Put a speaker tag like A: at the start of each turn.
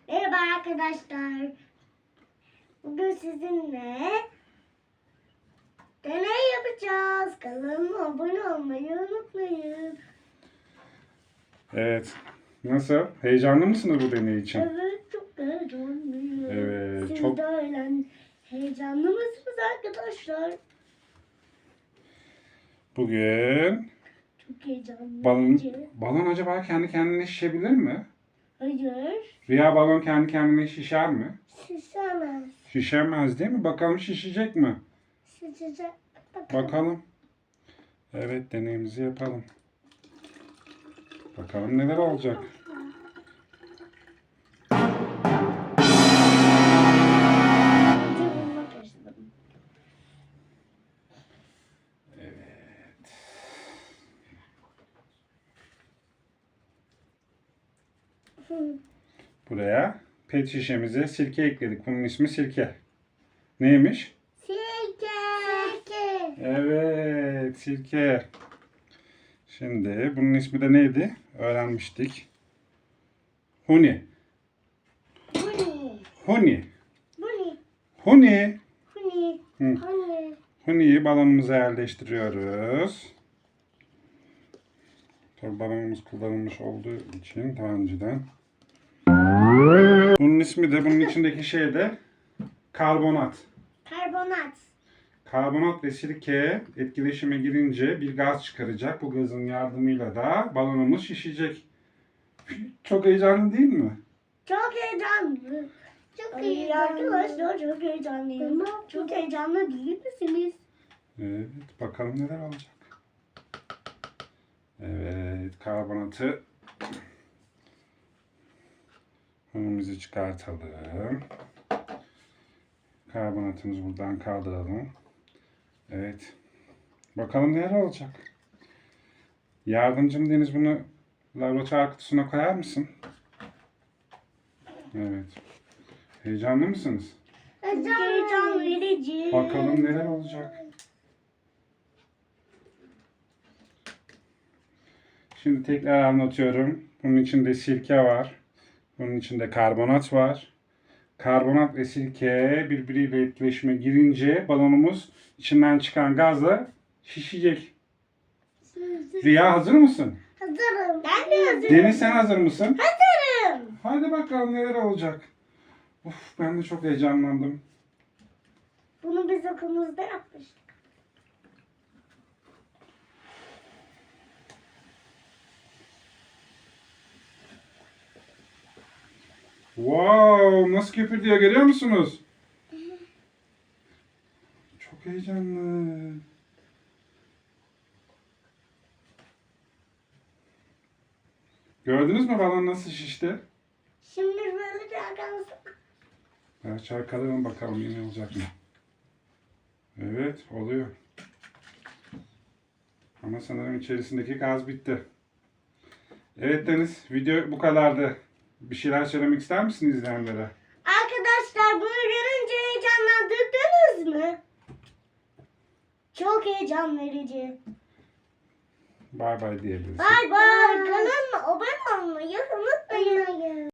A: Merhaba arkadaşlar. Bugün sizinle deney yapacağız. Kanalıma abone olmayı unutmayın.
B: Evet. Nasıl? Heyecanlı mısınız bu deney için?
A: Evet, çok heyecanlıyım.
B: Evet,
A: Siz
B: çok-
A: de öyle heyecanlı mısınız arkadaşlar?
B: Bugün
A: Çok heyecanlı.
B: balon acaba kendi kendine şişebilir mi?
A: Hayır.
B: Rüya balon kendi kendine şişer mi?
A: Şişemez.
B: Şişemez değil mi? Bakalım şişecek mi?
A: Şişecek.
B: Bakalım. Evet, deneyimizi yapalım. Bakalım neler olacak. Buraya pet şişemize sirke ekledik. Bunun ismi sirke. Neymiş?
A: Sirke. Sirke.
B: Evet, sirke. Şimdi bunun ismi de neydi? Öğrenmiştik. Huni.
A: Huni.
B: Huni.
A: Huni.
B: Huni.
A: Huni.
B: Hı.
A: Huni.
B: Huni'yi balonumuza yerleştiriyoruz. Tabii balonumuz kullanılmış olduğu için daha önceden. Bunun ismi de, bunun içindeki şey de karbonat.
A: Karbonat.
B: Karbonat ve sirke etkileşime girince bir gaz çıkaracak. Bu gazın yardımıyla da balonumuz şişecek. Çok heyecanlı değil mi?
A: Çok heyecanlı. Çok heyecanlı. Arkadaşlar çok heyecanlıyım. Çok heyecanlı değil misiniz?
B: Evet, bakalım neler olacak. Evet, karbonatı önümüzü çıkartalım. Karbonatımızı buradan kaldıralım. Evet. Bakalım neler olacak. Yardımcım Deniz, bunu laboratuvar kutusuna koyar mısın? Evet. Heyecanlı mısınız?
A: Heyecan verici.
B: Bakalım neler olacak. Şimdi tekrar anlatıyorum. Bunun içinde sirke var. Bunun içinde karbonat var. Karbonat ve sirke birbiriyle etkileşime girince balonumuz içinden çıkan gazla şişecek. Rüya, hazır mısın?
A: Hazırım. Ben de hazırım.
B: Deniz, sen hazır mısın?
A: Hazırım.
B: Hadi bakalım neler olacak. Of, ben de çok heyecanlandım.
A: Bunu biz okulumuzda yapmıştık.
B: Wow, nasıl köpürtüyor, görüyor musunuz? Çok heyecanlı. Gördünüz mü balon nasıl şişti?
A: Şimdi böyle de arkadaşlar.
B: Evet, çalkalayalım bakalım yine olacak mı? Evet, oluyor. Ama sanırım içerisindeki gaz bitti. Evet Deniz, video bu kadardı. Bir şeyler söylemek ister misin izleyenlere?
A: Arkadaşlar bunu görünce heyecanlandırdınız mı? Çok heyecan verici.
B: Bay bay diyebiliriz.
A: Bay bay. Kanalıma abone olmayı unutmayın.